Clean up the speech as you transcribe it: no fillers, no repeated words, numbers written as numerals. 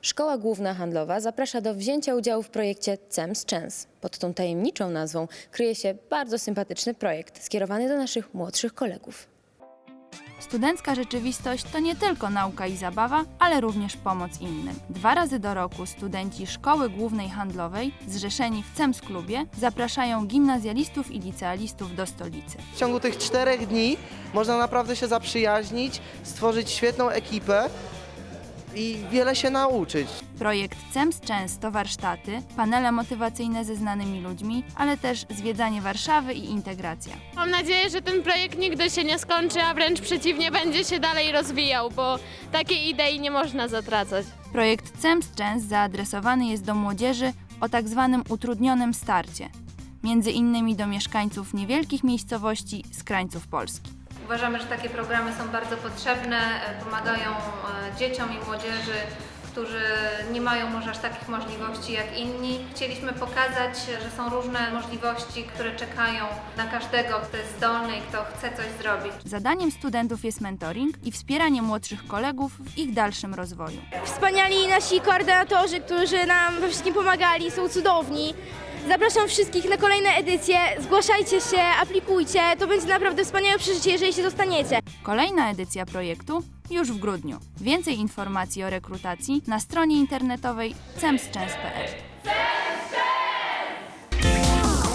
Szkoła Główna Handlowa zaprasza do wzięcia udziału w projekcie CEMS Chance. Pod tą tajemniczą nazwą kryje się bardzo sympatyczny projekt skierowany do naszych młodszych kolegów. Studencka rzeczywistość to nie tylko nauka i zabawa, ale również pomoc innym. 2 razy do roku studenci Szkoły Głównej Handlowej, zrzeszeni w CEMS Klubie, zapraszają gimnazjalistów i licealistów do stolicy. W ciągu tych 4 dni można naprawdę się zaprzyjaźnić, stworzyć świetną ekipę i wiele się nauczyć. Projekt CEMS Chance to warsztaty, panele motywacyjne ze znanymi ludźmi, ale też zwiedzanie Warszawy i integracja. Mam nadzieję, że ten projekt nigdy się nie skończy, a wręcz przeciwnie, będzie się dalej rozwijał, bo takiej idei nie można zatracać. Projekt CEMS Chance zaadresowany jest do młodzieży o tak zwanym utrudnionym starcie, między innymi do mieszkańców niewielkich miejscowości z krańców Polski. Uważamy, że takie programy są bardzo potrzebne, pomagają dzieciom i młodzieży, którzy nie mają może aż takich możliwości jak inni. Chcieliśmy pokazać, że są różne możliwości, które czekają na każdego, kto jest zdolny i kto chce coś zrobić. Zadaniem studentów jest mentoring i wspieranie młodszych kolegów w ich dalszym rozwoju. Wspaniali nasi koordynatorzy, którzy nam we wszystkim pomagali, są cudowni. Zapraszam wszystkich na kolejne edycje, zgłaszajcie się, aplikujcie, to będzie naprawdę wspaniałe przeżycie, jeżeli się dostaniecie. Kolejna edycja projektu już w grudniu. Więcej informacji o rekrutacji na stronie internetowej cemschance.pl.